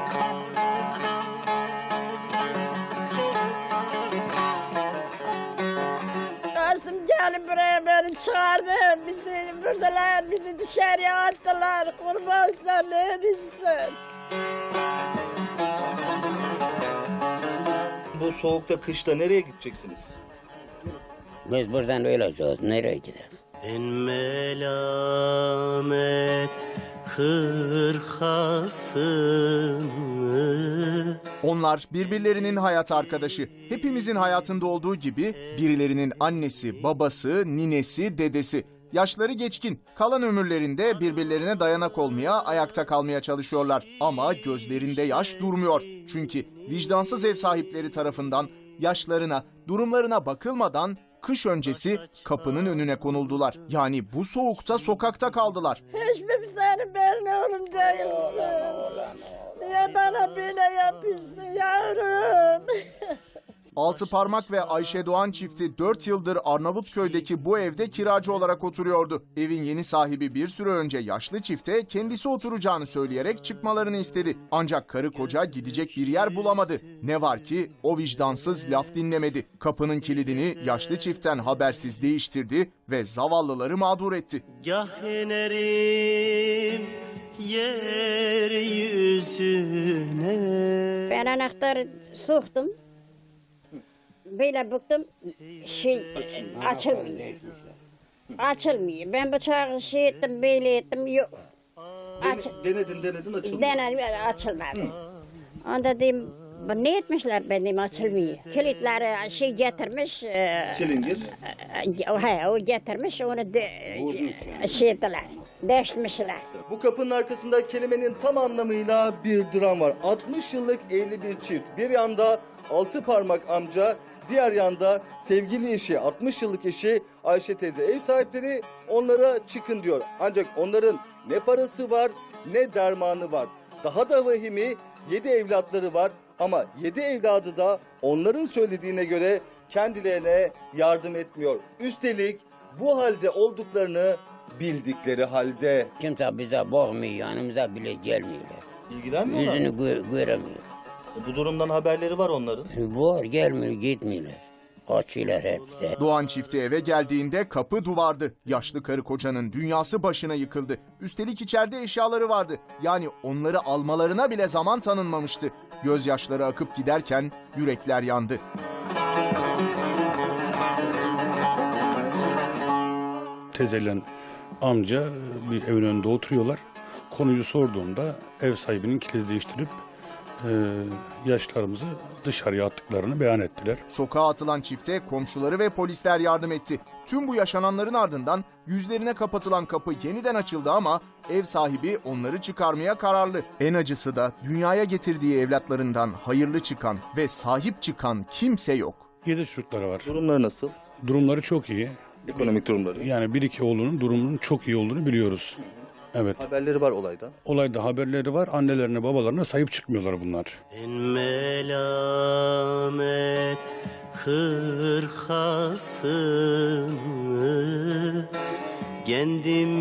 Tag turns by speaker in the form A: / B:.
A: Kastım gelin buraya beni çağırdı. Bizi buradalar, bizi dışarıya attılar. Kurban sen ne diyorsun?
B: Bu soğukta, kışta nereye gideceksiniz?
C: Biz buradan öleceğiz. Nereye gideriz?
D: Ben melamet hırkasını.
E: Onlar birbirlerinin hayat arkadaşı. Hepimizin hayatında olduğu gibi birilerinin annesi, babası, ninesi, dedesi. Yaşları geçkin, kalan ömürlerinde birbirlerine dayanak olmaya, ayakta kalmaya çalışıyorlar. Ama gözlerinde yaş durmuyor. Çünkü vicdansız ev sahipleri tarafından yaşlarına, durumlarına bakılmadan kış öncesi kapının önüne konuldular. Yani bu soğukta sokakta kaldılar.
A: Hiçbir senin benim oğlum değilsin. Niye bana böyle yapıyorsun yavrum?
E: Altıparmak ve Ayşe Doğan çifti 4 yıldır Arnavutköy'deki bu evde kiracı olarak oturuyordu. Evin yeni sahibi bir süre önce yaşlı çifte kendisi oturacağını söyleyerek çıkmalarını istedi. Ancak karı koca gidecek bir yer bulamadı. Ne var ki o vicdansız laf dinlemedi. Kapının kilidini yaşlı çiftten habersiz değiştirdi ve zavallıları mağdur etti.
D: Gah inerim yeryüzüne.
A: Ben anahtarı soktum. Böyle bıktım, açılmıyor. Açılmıyor. Ben bıçağı ettim, böyle ettim, yok.
B: Denedin açılmıyor.
A: Denedim, açılmadı. Onda dedim, ne etmişler benim açılmıyor. Kilitleri getirmiş.
B: Çilingir.
A: O getirmiş, onu ettiler, değiştirmişler.
B: Bu kapının arkasında kelimenin tam anlamıyla bir dram var. 60 yıllık evli bir çift. Bir yanda Altıparmak amca, diğer yanda sevgili eşi, 60 yıllık eşi Ayşe teyze. Ev sahipleri onlara çıkın diyor. Ancak onların ne parası var ne dermanı var. Daha da vahimi 7 evlatları var ama 7 evladı da onların söylediğine göre kendilerine yardım etmiyor. Üstelik bu halde olduklarını bildikleri halde.
C: Kimse bize bakmıyor, yanımıza bile gelmiyorlar.
B: İlgilenmiyorlar mı?
C: Yüzünü göremiyor.
B: Bu durumdan haberleri var onların.
C: Var, gelmiyor, gitmiyorlar. Kaçıyorlar hepsi.
E: Doğan çifti eve geldiğinde kapı duvardı. Yaşlı karı kocanın dünyası başına yıkıldı. Üstelik içeride eşyaları vardı. Yani onları almalarına bile zaman tanınmamıştı. Gözyaşları akıp giderken yürekler yandı.
F: Teyzeyle amca bir evin önünde oturuyorlar. Konuyu sorduğumda ev sahibinin kilidi değiştirip yaşlarımızı dışarıya attıklarını beyan ettiler.
E: Sokağa atılan çifte komşuları ve polisler yardım etti. Tüm bu yaşananların ardından yüzlerine kapatılan kapı yeniden açıldı ama ev sahibi onları çıkarmaya kararlı. En acısı da dünyaya getirdiği evlatlarından hayırlı çıkan ve sahip çıkan kimse yok.
F: 7 çocukları var.
B: Durumları nasıl?
F: Durumları çok iyi.
B: Ekonomik durumları.
F: Yani bir iki oğlunun durumunun çok iyi olduğunu biliyoruz. Evet.
B: Haberleri var olayda.
F: Olayda haberleri var. Annelerine, babalarına sahip çıkmıyorlar bunlar.
D: Ben melamet hırkasını kendim